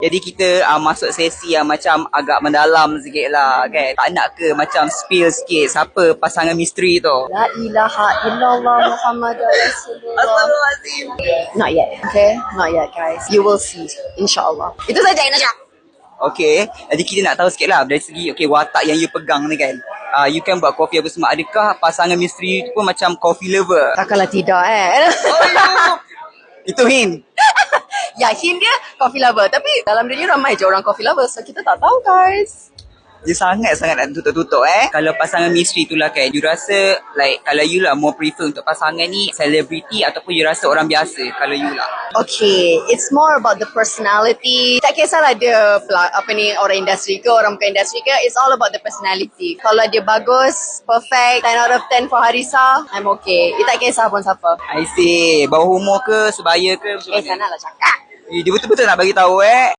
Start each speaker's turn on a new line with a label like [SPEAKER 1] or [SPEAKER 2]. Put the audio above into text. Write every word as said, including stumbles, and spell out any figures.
[SPEAKER 1] Jadi kita uh, masuk sesi yang macam agak mendalam sikit lah kan. Tak nak ke macam spill sikit siapa pasangan misteri tu?
[SPEAKER 2] La ilaha illallah Muhammad Rasulullah.
[SPEAKER 1] Astagfirullahaladzim.
[SPEAKER 2] Not yet, okay? Not yet, guys. You will see, insyaAllah. Itu saja, Inasya.
[SPEAKER 1] Okay, jadi kita nak tahu sikit lah dari segi okay, watak yang you pegang ni kan. Uh, you kan buat kopi apa semua. Adakah pasangan misteri tu pun macam coffee lover?
[SPEAKER 2] Takkanlah tidak, eh?
[SPEAKER 1] Oh, no. Itu hint.
[SPEAKER 2] Ya, hint dia coffee lover. Tapi dalam dunia ramai je orang coffee lover. So, kita tak tahu, guys.
[SPEAKER 1] Dia sangat-sangat nak tutup-tutup eh. Kalau pasangan misteri tu lah kan, you rasa like kalau you lah more prefer untuk pasangan ni selebriti ataupun you rasa orang biasa kalau you lah?
[SPEAKER 2] Okay, it's more about the personality. Tak kisahlah dia apa ni orang industri ke, orang bukan industri ke. It's all about the personality. Kalau dia bagus, perfect, ten out of ten for Harisa, I'm okay. Dia tak kisah pun siapa.
[SPEAKER 1] I see. Bawah umur ke, sebaya ke?
[SPEAKER 2] Eh, sana lah cakap.
[SPEAKER 1] Eh, dia betul-betul nak bagi tahu eh.